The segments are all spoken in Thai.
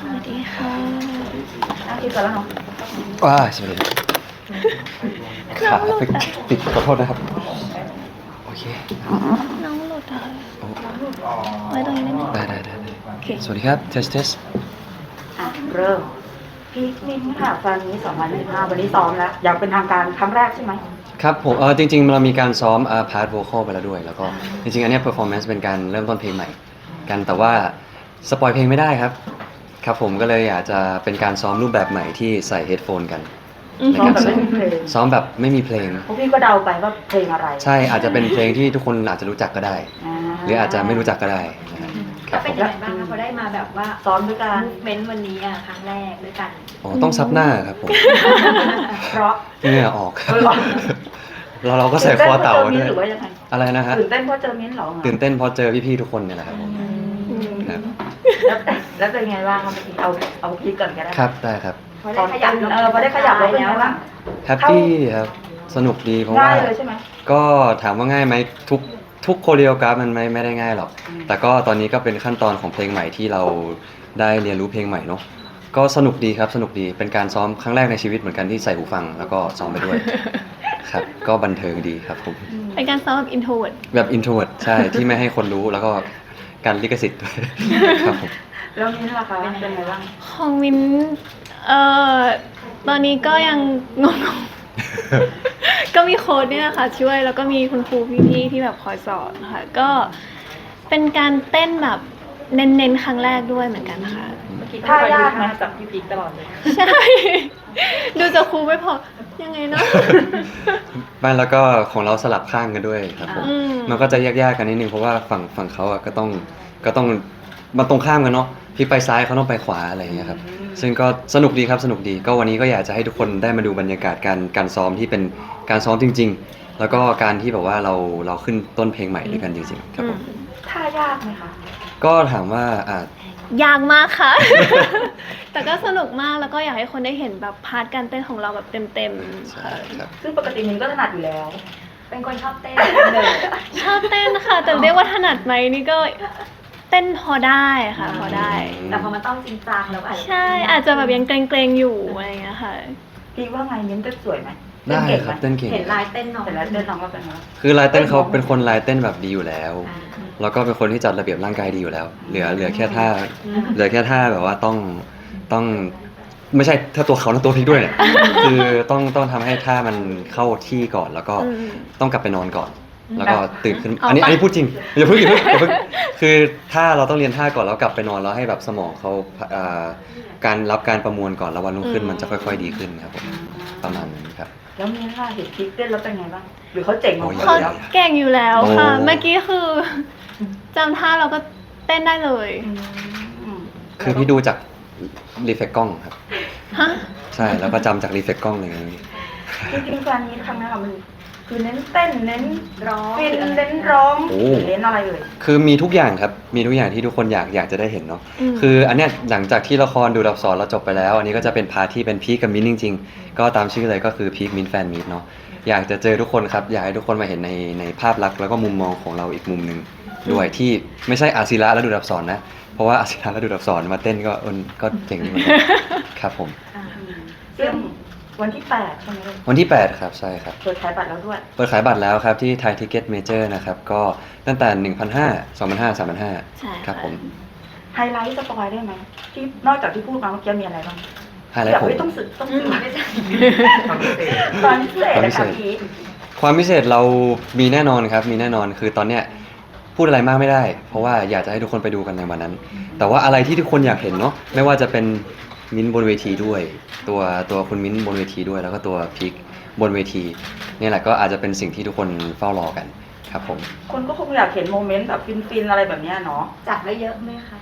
วัสดีค่ะคิดก่อนแล้วเนาะสวัสดีขาติดขอโทษนะครับโอเคน้องหลุดอ่ะโอ้ไว้ตรงนี้ได้ไหมได้โอเคสวัสดีครับเทสเริ่มพีคมิ้นค่ะแฟนนี้2025วันนี้ซ้อมแล้วอยากเป็นทางการครั้งแรกใช่ไหมครับผมจริงๆเรามีการซ้อมพาร์ทโวคอลไปแล้วด้วยแล้วก็จริงๆอันนี้เพอร์ฟอร์แมนซ์เป็นการเริ่มต้นเพลงใหม่กันแต่ว่าสปอยเพลงไม่ได้ครับครับผมก็เลยอยากจะเป็นการซ้อมรูปแบบใหม่ที่ใส่เฮดโฟนกันในการซ้อมแบบไม่มีเพลงพวกพี่ก็เดาไปว่าเพลงอะไรใช่อาจจะเป็นเพลงที่ทุกคนอาจจะรู้จักก็ได้หรืออาจจะไม่รู้จักก็ได้นะครับเป็นยังไงบ้างคะพอได้มาแบบว่าซ้อมด้วยกันมูฟเมนต์วันนี้ครั้งแรกด้วยกันต้องซับหน้าครับผมเพราะเหงื่อออกแล้วเราก็ใส่คอเต่าด้วยหรือว่ายังไงอะไรนะฮะตื่นเต้นเพราะเจอมิ้นหรอตื่นเต้นเพราะเจอพี่ๆทุกคนเนี่ยแหละครับผมครับแล้วเป็นไงบ้างครับเมื่อกี้เอาพีคก่อนก็ได้ครับได้ครับพอได้ขยับพอได้ขยับแล้วเป็นไงบ้างแฮปปี้ครับสนุกดีเพราะว่าง่ายเลยใช่ไหมก็ถามว่าง่ายไหมทุกโคเรียกราฟมันไม่ได้ง่ายหรอกแต่ก็ตอนนี้ก็เป็นขั้นตอนของเพลงใหม่ที่เราได้เรียนรู้เพลงใหม่เนาะก็สนุกดีครับสนุกดีเป็นการซ้อมครั้งแรกในชีวิตเหมือนกันที่ใส่หูฟังแล้วก็ซ้อมไปด้วยครับก็บันเทิงดีครับผมเป็นการซ้อมแบบอินโทรเวิร์ดแบบอินโทรเวิร์ดใช่ที่ไม่ให้คนรู้แล้วก็การลิขสิทธิ์ด้วยครับผมแล้วมิ้นล่ะคะเป็นไงบ้างของมินตอนนี้ก็ยังงงก็มีโค้ดเนี่ยค่ะช่วยแล้วก็มีคุณครูพี่ๆที่แบบคอยสอนค่ะก็เป็นการเต้นแบบเน้นๆครั้งแรกด้วยเหมือนกันค่ะท่ายากไหมจับพี่พีคตลอดเลยใช่ดูจากครูไม่พอยังไงเนาะบ้านแล้วก็ของเราสลับข้างกันด้วยครับผมมันก็จะยากๆกันนิดนึงเพราะว่าฝั่งเขาก็ต้องมันตรงข้ามกันเนาะพี่ไปซ้ายเขาต้องไปขวาอะไรอย่างเงี้ยครับซึ่งก็สนุกดีครับสนุกดีก็วันนี้ก็อยากจะให้ทุกคนได้มาดูบรรยากาศการซ้อมที่เป็นการซ้อมจริงๆแล้วก็การที่แบบว่าเราขึ้นต้นเพลงใหม่ด้วยกันจริงๆครับผมท่ายากไหมคะก็ถามว่ายากมากค่ะ แต่ก็สนุกมากแล้วก็อยากให้คนได้เห็นแบบพาร์ทการเต้นของเราแบบเต็มๆค่ะซึ่งปกติมิ้นก็ถนัดอยู่แล้วเป็นคนชอบเต้นเลยชอบเต้นค่ะแต่เรียกว่าถนัดไหมนี่ก็เต้นพอได้ค่ะพอได้แต่พอมันต้องจริงจังแล้วใช่อาจจะแบบยังเกรงๆอยู่อะไรอย่างเงี้ยค่ะพี่ว่าไงมิ้นเต้นสวยไหมได้ครับเต้นเก่งเห็นลายเต้นน้องเห็นลายเต้นน้องก็เป็นไงคือลายเต้นเขาเป็นคนลายเต้นแบบดีอยู่แล้วแล้วก็เป็นคนที่จัดระเบียบร่างกายดีอยู่แล้วเหลือแค่ท่าแบบว่าต้องไม่ใช่ถ้าตัวเขาตัวพลิกด้วยเนี่ยคือต้องทำให้ท่ามันเข้าที่ก่อนแล้วก็ต้องกลับไปนอนก่อนแล้วก็ตื่นขึ้นอันนี้พูดจริงอย่าเพิ่งคือถ้าเราต้องเรียนท่าก่อนแล้วกลับไปนอนแล้วให้แบบสมองเขาการรับการประมวลก่อนแล้ววันรุ่งขึ้นมันจะค่อยๆดีขึ้นครับผมประมาณนี้ครับแล้วมีท่าเห็นพีคเต้นแล้วเป็นไงบ้างหรือเขาเจ๋งของเขาเก่งอยู่แล้วค่ะเมื่อกี้คือจำท่าเราก็เต้นได้เลยคือพี่ดูจากรีเฟกกล้องครับฮะใช่แล้วก็จำจากรีเฟกกล้องเลยจริงๆการนี้ครั้งนี้ค่ะมันคือเน้นเต้นเน้นร้องเน้นร้องเน้นอะไรเลยคือมีทุกอย่างครับมีทุกอย่างที่ทุกคนอยากจะได้เห็นเนาะคืออันเนี้ยหลังจากที่ละครดูดับสอนเราจบไปแล้วอันนี้ก็จะเป็นพาร์ทที่เป็นพีคกับมิ้นจริงๆก็ตามชื่อเลยก็คือพีคมิ้นแฟนมิ้นเนาะอยากจะเจอทุกคนครับอยากให้ทุกคนมาเห็นในภาพลักษณ์แล้วก็มุมมองของเราอีกมุมนึงด้วยที่ไม่ใช่อาศิระและดูดับสอนนะเพราะว่าอาศิระและดูดับสอนมาเต้นก็เก่งเหมือนกันครับผมซึ่งวันที่8ใช่ไหมวันที่8ครับใช่ครับเปิดขายบัตรแล้วด้วยเปิดขายบัตรแล้วครับที่ Thai Ticket Major นะครับก็ตั้งแต่ 1,500 2,500 3,500ครับผมไฮไลท์สปอยได้ไหมที่นอกจากที่พูดมาเมื่อกี้มีอะไรบ้างไฮไลท์ผมต้องสื่อไม่ใช่ความพิเศษนะครับพี่ความพิเศษเรามีแน่นอนครับมีแน่นอนคือตอนเนี้ยพูดอะไรมากไม่ได้เพราะว่าอยากจะให้ทุกคนไปดูกันในวันนั้นแต่ว่าอะไรที่ทุกคนอยากเห็นเนาะไม่ว่าจะเป็นมิ้นบนเวทีด้วยตัวคุณมิ้นบนเวทีด้วยแล้วก็ตัวพีคบนเวทีนี่แหละก็อาจจะเป็นสิ่งที่ทุกคนเฝ้ารอกันครับผมคนก็คงอยากเห็นโมเมนต์แบบฟินๆอะไรแบบนี้เนาะจัดไว้เยอะไหมคะ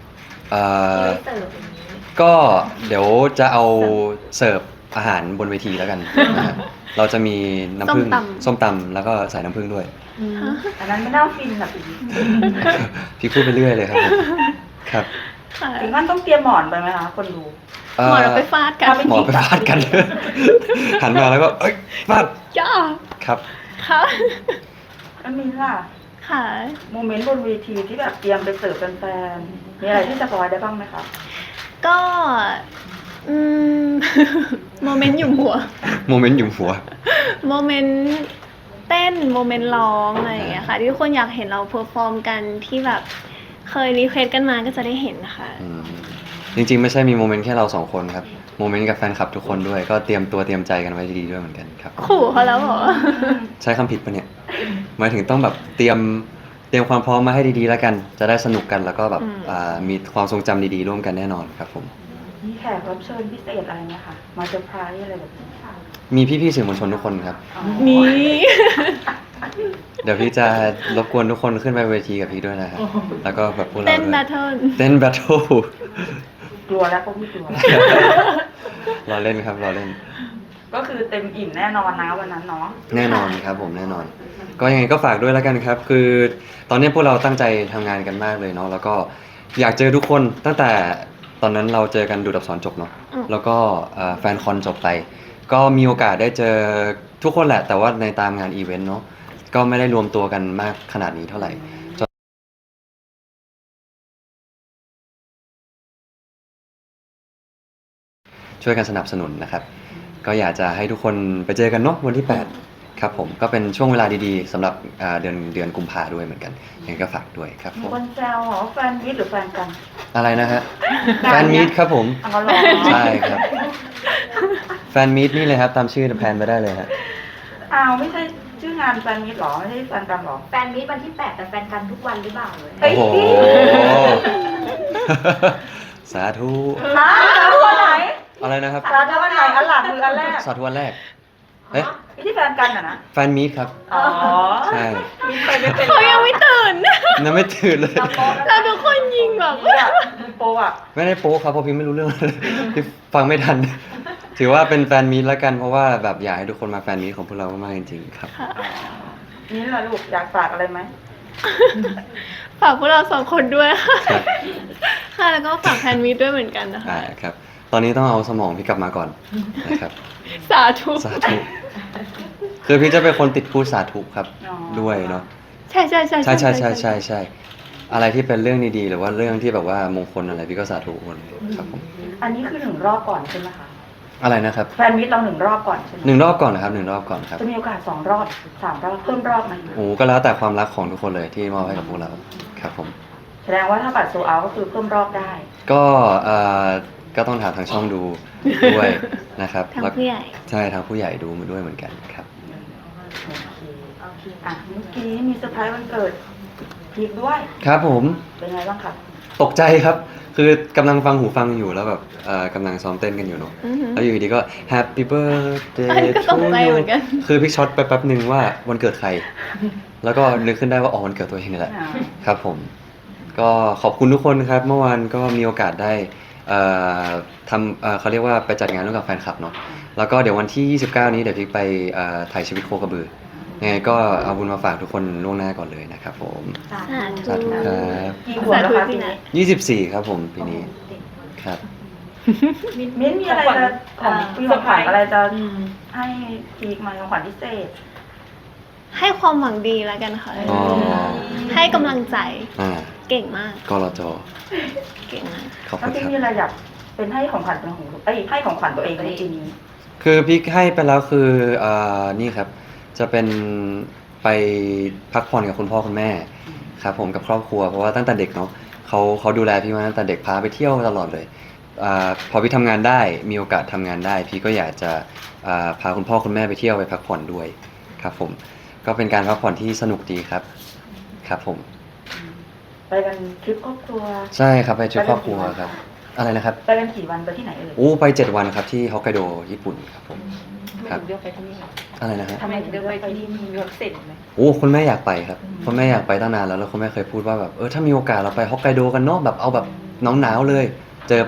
ก็เดี๋ยวจะเอาเสิร์ฟอาหารบนเวทีแล้วกันเราจะมีน้ำผึ้งส้มตำแล้วก็ใส่น้ำผึ้งด้วยอันนั้นไม่น่าฟินหรอกพี่พูดไปเรื่อยเลยครับครับถึงขั้นต้องเตรียมหมอนไปไหมคะคนดูหมอนไปฟาดกันหมอนไปฟาดกันหันมาแล้วก็ฟาดย่าครับค่ะแล้วมิ้นล่ะค่ะโมเมนต์บนเวทีที่แบบเตรียมไปเสิร์ฟแฟนๆมีอะไรที่สปอยได้บ้างไหมคะก็อืม โมเมนต์หยุมหัวโมเมนต์หยุมหัวโมเมนต์เต้นโมเมนต์ร้องอะไรอย่างเงี้ยค่ะที่ทุกคนอยากเห็นเราเพอร์ฟอร์มกันที่แบบเคยรีเควสกันมาก็จะได้เห็นค่ะอืมจริงๆไม่ใช่มีโมเมนต์แค่เราสองคนครับโมเมนต์กับแฟนคลับทุกคนด้วยก็เตรียมตัวเตรียมใจกันไว้ดีๆด้วยเหมือนกันครับขู่เขาแล้วเหรอใช้คำผิดปะเนี่ยหมายถึงต้องแบบเตรียมความพร้อมมาให้ดีๆแล้วกัน จะได้สนุกกันแล้วก็แบบ มีความทรงจำดีๆร่วมกันแน่นอนครับผมมีแขกรับเชิญพิเศษอะไรไหมคะมาเซอร์ไพรส์อะไรแบบนี้ค่ะมีพี่ๆสื่อมวลชนทุกคนครับนี่เดี๋ยวพี่จะรบกวนทุกคนขึ้นไปเวทีกับพี่ด้วยนะครับแล้วก็แบบพวกเราเต้นด้วยแบทเทิลเต้นแบทเทิลกลัวแล้วพวกพี่กลัวรอเล่นครับรอเล่นก็คือเต็มอิ่มแน่นอนนะวันนั้นเนาะแน่นอนครับผมแน่นอน ก็ยังไงก็ฝากด้วยแล้วกันครับ คือตอนนี้พวกเราตั้งใจทำงานกันมากเลยเนาะแล้วก็อยากเจอทุกคนตั้งแต่ตอนนั้นเราเจอกันดูดอักษรจบเนาะแล้วก็แฟนคอนจบไป ก็มีโอกาสได้เจอทุกคนแหละ แต่ว่าในตามงานอีเวนต์เนาะก็ไม่ได้รวมตัวกันมากขนาดนี้เท่าไหร่ช่วยกันสนับสนุนนะครับ ก็อยากจะให้ทุกคนไปเจอกันเนาะวันที่ 8 ครับผมก็เป็นช่วงเวลาดีๆสำหรับเดือนกุมภาด้วยเหมือนกันยังไงก็ฝากด้วยครับมีผมคนแซวเหรอแฟนมิตรหรือแฟนกันอะไรนะฮะแฟนมีตครับผมเอาเหรอใช่ครับแฟนมีตนี่เลยครับตามชื่อแพลนไปได้เลยฮะอ้าวไม่ใช่ชื่องานแฟนมิตรหรอไม่ใช่แฟนกันหรอแฟนมีตวันที่ 8 แต่แฟนกันทุกวันหรือเปล่าเลยเฮ้โอ้ยโห สาธุอ้าววันไหนอะไรนะครับสาธุวันไหนอันหลังมืออันแรกสาธุวันแรกเอ๊ะไม่ใช่แฟนกันอ่ะนะแฟนมีตครับอ๋อใช่มิตรไปไม่เป็นเขายังไม่ตื่นนั่นไม่ตื่นเลยเราทุกคนยิงแบบเนี่ยมือโปรอ่ะไม่ได้โป๊ครับเพราะพี่ไม่รู้เรื่องเลยพี่ฟังไม่ทัน ถือว่าเป็นแฟนมีตแล้วกันเพราะว่าแบบอยากให้ทุกคนมาแฟนมีตของพวกเรามากๆจริงๆครับนี่แหละลูกอยากฝากอะไรไหมฝากพวกเราสองคนด้วยค่ะครับค่ะแล้วก็ฝากแฟนมีตด้วยเหมือนกันนะคะครับ ตอนนี้ต้องเอาสมองพี่กลับมาก่อนนะครับสาธุสาธุคือพี่จะเป็นคนติดพูดสาธุครับด้วยเนาะใช่ใช่ใช่ใช่ใช่ใช่ใช่ใช่อะไรที่เป็นเรื่องดีๆหรือว่าเรื่องที่แบบว่ามงคลอะไรพี่ก็สาธุหมดเลยครับผมอันนี้คือ1 รอบก่อนใช่ไหมคะอะไรนะครับแฟนมิตรเรา1 รอบก่อนใช่ไหม 1 รอบก่อนนะครับ1 รอบก่อนครับจะมีโอกาส2 รอบ3 รอบเพิ่มรอบไหมโอ้ก็แล้วแต่ความรักของทุกคนเลยที่มอบให้กับพวกเราครับผมแสดงว่าถ้าบัตรโซเอาก็คือเพิ่มรอบได้ก็ก็ต้องถามทางช่องดูด้วยนะครับทางแล้วผู้ใหญ่ใช่ทางผู้ใหญ่ดูมาด้วยเหมือนกันครับโอเคโอเคอ่ะเมื่อกี้มีเซอร์ไพรส์วันเกิดพีคด้วยครับผมเป็นไงบ้างครับตกใจครับ คือกำลังฟังหูฟังอยู่แล้วแบบกำลังซ้อมเต้นกันอยู่เนาะอือหือแล้วอยู่ดีก็ Happy อัน Birthday นี้ก็ต to กใจ you เหมือนกันคือพี่ช็อตไปแป๊บหนึ่งว่าวันเกิดใคร แล้วก็นึกขึ้นได้ว่าอ๋อวันเกิดตัวเองนี่แหละ ครับผม ก็ขอบคุณทุกคนครับ เมื่อวานก็มีโอกาสได้ทำเขาเรียกว่าไปจัดงานร่วมกับแฟนคลับเนาะ แล้วก็เดี๋ยววันที่ 29 นี้เดี๋ยวพี่ไปถ่ายชีวิตโคกระบือยังไงก็เอาบุญมาฝากทุกคนล่วงหน้าก่อนเลยนะครับผมสาสาธุธุสาธุครับกี่ขวบแล้วคะปีนี้ 24 ครับผมปีนี้ครับมิ้นท์มีอะไรจะของปีของขวัญอะไรจะให้พีคไหมของขวัญพิเศษให้ความหวังดีแล้วกันค่ะอ๋อให้กำลังใจอ่าเก่งมากกรจเก่งมากขอบแล้คุวณพี่ครับมีอะไรอยากเป็นให้ของขวัญเป็นของให้ของขวัญตัวเองในปีนี้คือพี่ให้ไปแล้วคือนี่ครับ จะเป็นไปพักผ่อนกับคุณพ่อคุณแม่ครับผมกับครอบครัวเพราะว่าตั้งแต่เด็กเนาะเขาดูแลพี่มาตั้งแต่เด็กพาไปเที่ยวตลอดเลยพอพี่ทำงานได้มีโอกาสทำงานได้ พี่ก็อยากจะพาคุณพ่อคุณแม่ไปเที่ยวไปพักผ่อนด้วยครับผมก็เป็นการพักผ่อนที่สนุกดีครับครับผมไปกันทริปครอบครัวใช่ครับไปทริปครอบครัวครับอะไรนะครับไปกันกี่วันไปที่ไหนเอ่ยโอ้ไป7 วันครับที่ฮอกไกโดญี่ปุ่นครับผมครับเลือกไปที่นี่อะไรนะฮะทำไมถึงเลือกไปที่นี่เลือกเสร็จไหมโอ้คุณแม่อยากไปครับคุณแม่อยากไปตั้งนานแล้วคุณแม่เคยพูดว่าแบบถ้ามีโอกาสเราไปฮอกไกโดกันเนาะแบบเอาแบบหนาวๆเลย เจอไป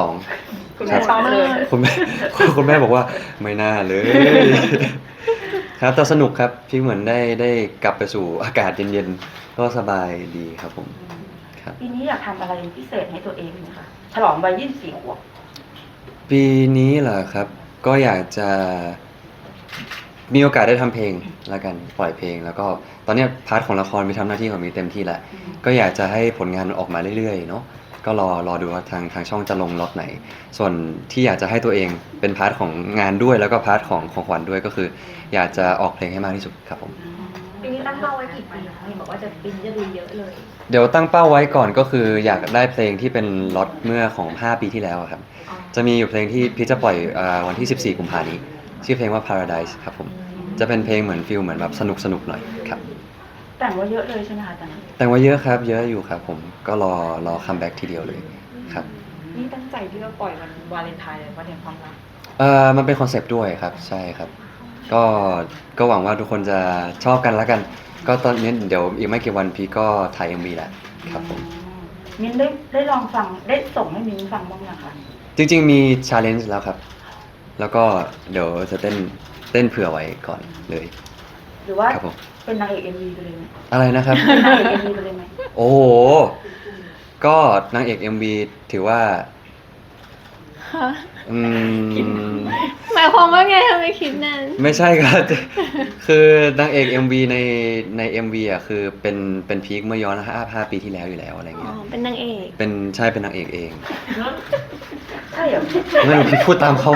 -12 คุณแม่ชอบเลยคุณแม่ คุณแม่บอกว่าไม่น่าเลย ครับแต่สนุกครับพี่เหมือนได้กลับไปสู่อากาศเย็นๆก็สบายดีครับผมครับปีนี้อยากทำอะไรพิเศษให้ตัวเองไหมคะฉลองวัย24 ขวบปีนี้เหรอครับ ก็อยากจะมีโอกาสได้ทำเพลงแล้วกันปล่อยเพลง แล้วก็ตอนเนี้ยพาร์ทของละครมีทำหน้าที่ของมีเต็มที่แหละก็อยากจะให้ผลงานมันออกมาเรื่อยๆเนาะก็รอดูว่าทางช่องจะลงล็อตไหน ส่วนที่อยากจะให้ตัวเองเป็นพาร์ทของงานด้วยแล้วก็พาร์ทของขวัญด้วยก็คือ อยากจะออกเพลงให้มากที่สุดครับผมปีนี้ตั้งเป้าไว้กี่ปีคะเห็นบอกว่าปีนี้จะดูเยอะเลยเดี๋ยวตั้งเป้าไว้ก่อนก็คืออยากได้เพลงที่เป็นล็อตเมื่อของ5 ปีที่แล้วอะครับ จะมีอยู่เพลงที่พี่จะปล่อยวันที่ 14 กุมภาพันธ์นี้ชื่อเพลงว่า Paradise ครับผมจะเป็นเพลงเหมือนฟิลเหมือนแบบสนุกหน่อยครับแต่งไว่าเยอะเลยใช่ไหมคะตอนนั้นแต่งไว่าเยอะครับเยอะอยู่ครับผมก็รอคัมแบ็กทีเดียวเลยครับนี่ตั้งใจที่จะปล่อยวันวาเลนไทน์เลยวันแห่งความรักมันเป็นคอนเซปต์ด้วยครับใช่ครับก็หวังว่าทุกคนจะชอบกันแล้วกัน ก็ตอนนี้เดี๋ยวอีกไม่กี่วันพี่ก็ถ่าย MV แหละครับผมมิ้นได้ลองฟังได้ส่งให้มิ้นฟังบ้างยังคะจริงๆมี challenge แล้วครับ แล้วก็เดี๋ยวจะเต้นเผื่อไว้ก่อนเลยหรือว่าครับผมเป็นนางเอกเอ็มวีไปเลยไหมอะไรนะครับเป็นนางเอกเอ็มวีไปเลยไหมโอ้โห ก็นางเอก MV ถือว่าค่ะอืมหมายความว่าไงทำไมคิดนั้นไม่ใช่ครับ คือนางเอก MV ใน MV อ่ะคือเป็นพีคเมื่อย้อน5 ปีที่แล้วอยู่แล้วอะไรอ๋อเงี้ยเป็นนางเอกเป็นนางเอกเองใช่เหรอไม่รู้พี่พูดตามเขา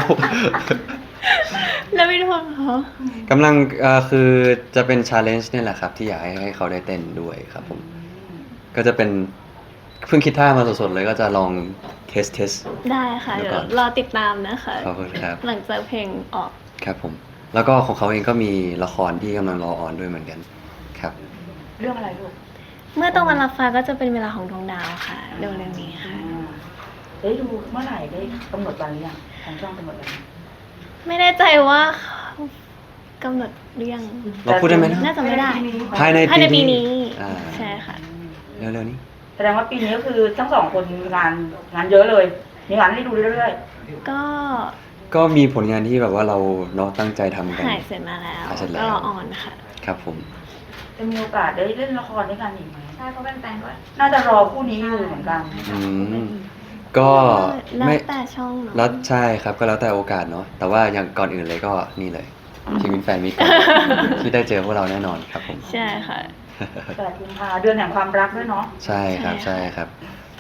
แล้วไม่รู้เหรอกำลังคือจะเป็น challenge เนี่ยแหละครับ ที่อยากให้เขาได้เต้นด้วยครับผม ก็จะเป็นเพิ่งคิดท่ามาสดๆเลยก็จะลองเทสได้ค่ะเดี๋เดี๋ยยว วก่อนรอติดตามนะคะขอบคุณครับหลังจากเพลงออกครับผม แล้วก็ของเขาเองก็มีละครที่กำลังรอออนด้วยเหมือนกันครับเรื่องอะไรลูกเมื่อตะวันรับฟ้าก็จะเป็นเวลาของดวงดาวค่ะเร็วๆนี้ค่ะได้ดูเมื่อไหร่ได้กำหนดวันหรือยังทางช่องกำหนดวันไม่แน่ใจว่าเขากำหนดหรือยังเราพูดได้ไหมนะน่าจะไม่ได้ภายในภายในปีปีนี้นี้อ่าใช่ค่ะเร็วๆนี้แสดงว่าปีนี้ก็คือทั้งสองคนงานเยอะเลย มีงานให้ดูเรื่อยก็ก็มีผลงานที่แบบว่าเราเนาะตั้งใจทำกันถ่ายเสร็จมาแล้วถ่ายเสร็จแล้วก็รอออนค่ะครับผมๆจะมีโอกาสได้เล่นละครด้วยกันอีกไหมใช่เพราะแฟนๆก็น่าจะรอคู่นี้อยู่เหมือนกันอืมก็แล้วไม่แต่ช่องเนาะแล้วใช่ครับก็แล้วแต่โอกาสเนาะแต่ว่าอย่างก่อนอื่นเลยก็นี่เลยชีวิตแฟนมีก่อน ที่ได้เจอพวกเราแน่นอนครับผมใช่ค่ะแต่กุมภาเดือนแห่งความรักด้วยเนาะใช่ครับใช่ใช่ค่ะครับ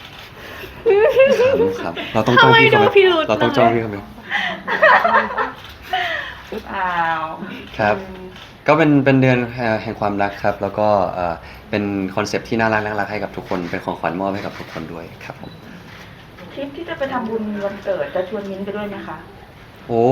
ครับเราต้องจ้องพี่เขาไหมทำไมดูพิรุธเราต้องจ้องพี่เขาไหมอ้าวครับ ก็เป็นเดือนแห่งความรักครับ แล้วก็เป็นคอนเซปต์ที่น่ารักให้กับทุกคนเป็นของขวัญมอบให้กับทุกคนด้วยครับผมทริปที่จะไปทำบุญวันเกิดจะชวนมิ้นท์ไปด้วยไหมคะโอ้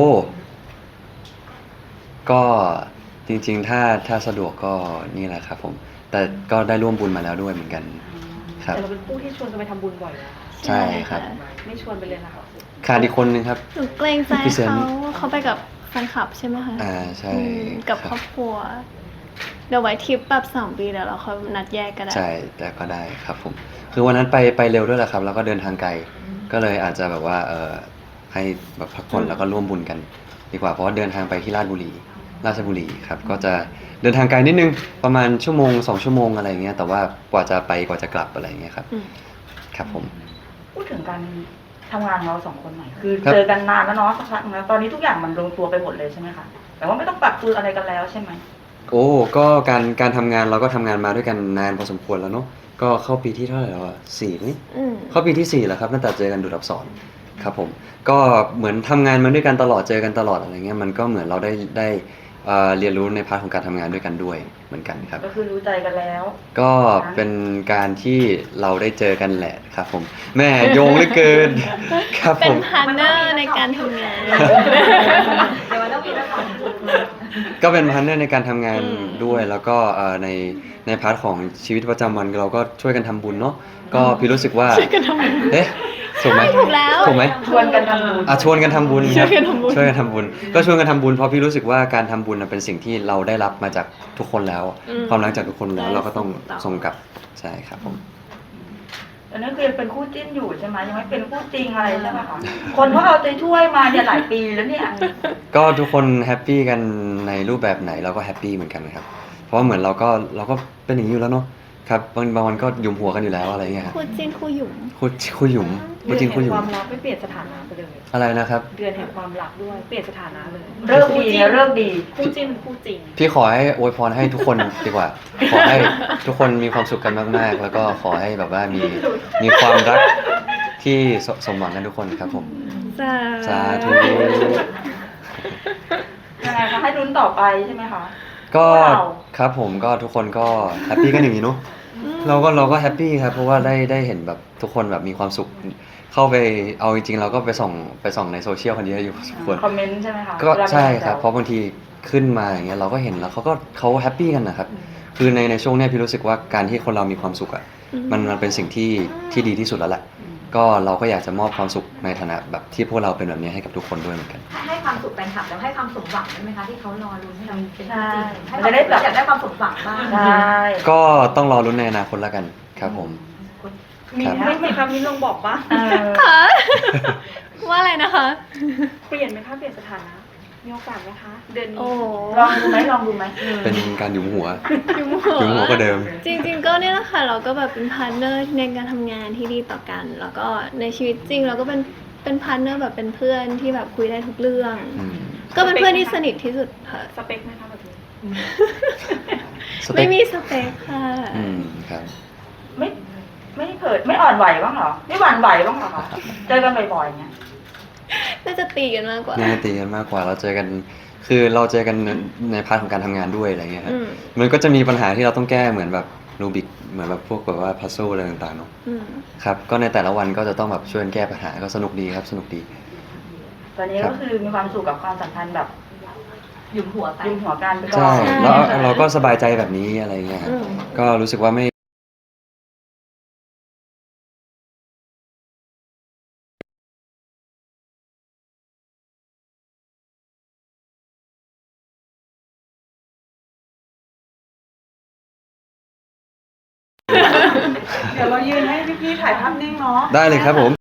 ก็จริงๆ ถ้าสะดวกก็นี่แหละครับผม แต่ก็ได้ร่วมบุญมาแล้วด้วยเหมือนกันครับแต่เราเป็นผู้ที่ชวนกันไปทำบุญบ่อยนะใช่ครับไม่ชวนไปเลยนะคะขาดอีกคนนึงครับหนูเกรงใจพี่เซนเขาไปกับแฟนคลับใช่ไหมคะใช่อืมกับคครับ รอบครัว เดี๋ยวไว้ทริปแบบ2 ปีเดี๋ยวเราค่อยนัดแยกก็ได้ใช่แต่ก็ได้ครับผม คือวันนั้นไปเร็วด้วยแหละครับ แล้วก็เดินทางไกล ก็เลยอาจจะแบบว่าให้แบบพักผ่อนแล้วก็ร่วมบุญกัน ดีกว่าเพราะว่าเดินทางไปที่ราชบุรีครับ ก็จะเดินทางไกลนิดนึงประมาณ1-2 ชั่วโมงอะไรเงี้ยแต่ว่ากว่าจะไปกว่าจะกลับอะไรเงี้ยครับอืมครับผมพูดถึงการทำงานของเราสองคนหน่อยคือครับเจอกันนานแล้วเนาะสักพักแล้วตอนนี้ทุกอย่างมันลงตัวไปหมดเลยใช่ไหมคะแต่ว่าไม่ต้องปรับตัวอะไรกันแล้วใช่ไหมโอ้ก็การทำงานเราก็ทำงานมาด้วยกันนานพอสมควรแล้วเนาะก็เข้าปีที่เท่าไหร่แล้วอะ4นี่อืมเข้าปีที่ 4 แล้วครับตั้งแต่เจอกันดูดอักษรครับผมก็เหมือนทำงานมาด้วยกันตลอดเจอกันตลอดอะไรเงี้ยมันก็เหมือนเราได้เรียนรู้ในพาร์ทของการทำงานด้วยกันด้วยเหมือนกันครับก็คือรู้ใจกันแล้วก็เป็นการที่เราได้เจอกันแหละครับผมแม่โยงเหลือเกิน ครับเป็ผนมพาร์ทเนอร์ในการทำงานเดี๋ยวมันต้องมีละครก็เป็นพาร์ทเนอร์ในการทำงานอืมด้วยแล้วก็ในพาร์ทของชีวิตประจำวันเราก็ช่วยกันทำบุญเนาะก็พี่รู้สึกว่าช่วยกันทำงานเอ๊ะถูกไหมใช่ถูกแล้วถูกไหมชวนกันทำบุญชวนกันทำบุญช่วยกันทำบุญช่วยกันทำบุญก็ชวนกันทำบุญเพราะพี่รู้สึกว่าการทำบุญน่ะเป็นสิ่งที่เราได้รับมาจากทุกคนแล้วอืมความรักจากทุกคนแล้วได้เราก็ต้องส่งต่อส่งกลับใช่ครับผมอันนั้นคือยังเป็นคู่จิ้นอยู่ใช่ไหมยังไม่เป็นคู่จริงอะไรใช่ไหมคะคนเขาเอาใจช่วยมาเนี่ยหลายปีแล้วเนี่ยก็ทุกคนแฮปปี้กันในรูปแบบไหนเราก็แฮปปี้เหมือนกันนะครับ เพราะว่าเหมือนเราก็เป็นอย่างนี้อยู่แล้วเนาะครับบางวันก็หยุมหัวกันอยู่แล้วอะไรเงี้ยครับคู่จิ้นคู่หยุ่มคุยหยุมพูดจริงคุยหยุคมวามรักไม่เปลี่ยนสถานะไปเลยอะไรนะครับเดือนแห่งความรักด้วย เปลี่ยนสถานะเลยเลิกดีเนี่ยเลิกดีคู่จิ้นคู่จริงพี่ขอให้อวยพรให้ทุกคนดีกว่า ขอให้ทุกคนมีความสุขกันมากๆ แล้วก็ขอให้แบบว่ามีความรักที่สมหวังกันทุกคนครับผม สาธุยังไงคะให้ลุ้นต่อไปใช่ไหมคะก็ว้าวครับผมก็ทุกคนก็แฮปปี้กันอย่างนี้เนาะเราก็แฮปปี้ครับเพราะว่าได้เห็นแบบทุกคนแบบมีความสุข เข้าไปเอาจริงๆเราก็ไปส่องในโซเชียลกันเยอะอยู่พอสมควรคอมเมนต์ใช่ไหมคะก็เวลามีใช่ครับแซวเพราะบางทีขึ้นมาอย่างเงี้ยเราก็เห็นแล้วเขาแฮปปี้กันนะครับ คือในช่วงเนี้ยพี่รู้สึกว่าการที่คนเรามีความสุขอ่ะมันเป็นสิ่งที่ดีที่สุดแล้วแหละก็เราก็อยากจะมอบความสุขในฐานะแบบที่พวกเราเป็นแบบนี้ให้กับทุกคนด้วยเหมือนกันให้ความสุขแฟนคลับแล้วให้ความสมหวังได้ไหมคะที่เขารอลุ้นให้เราเป็นจริงใช่ให้มันจะได้แบบอยากได้ความสมหวังบ้างใช่ก็ต้องรอรุ้นในอนาคตแล้วกันครับผมมีครับไม่มีคำนี้ลงบอกว่าเออค่ะ ว่าอะไรนะคะเปลี่ยนไหมคะเปลี่ยนสถานะมีโอกาสไหมคะ เดือนนี้โอ้ลองดูไหมลองดูไหมเป็นการหยุมหัวยุมหยุมหัวก็เดิมจริงๆก็เนี่ยแหละค่ะเราก็แบบเป็นพาร์ทเนอร์ในการทำงานที่ดีต่อกัน แล้วก็ในชีวิตจริงเราก็เป็นพาร์ทเนอร์แบบเป็นเพื่อนที่แบบคุยได้ทุกเรื่องอืมก็เป็นเพื่อนที่สนิทที่สุดค่ะสเปคไหมคะแบบนี้สเปไม่คมีสเปคค่ะอืมครับไม่เผิดไม่อ่อนไหวบ้างเหรอไม่หวั่นไหวบ้างเหรอคะเจอกันบ่อยๆอย่างเงี้ยน่าจะตีกันมากกว่าน่าจะตีกันมากกว่าเราเจอกัน คือเราเจอกันในพาร์ทของการทำงานด้วยอะไรเงี้ยครับอืมมันก็จะมีปัญหาที่เราต้องแก้เหมือนแบบรูบิกเหมือนแบบพวกแบบว่าพัซโซอะไรต่างๆเนาะอืมครับก็ในแต่ละวันก็จะต้องแบบช่วยกันแก้ปัญหาก็สนุกดีครับสนุกดีตอนนี้ก็คือมีความสุขกับความสัมพันธ์แบบหยุมหัวไปยืมหัวกันไปก่อใช่นแล้วเราก็สบายใจแบบนี้อะไรเงี้ยครับอืมก็รู้สึกว่าไม่เดี๋ยวเรายืนให้พี่ๆถ่ายภาพนิ่งเนาะได้เลยครับผม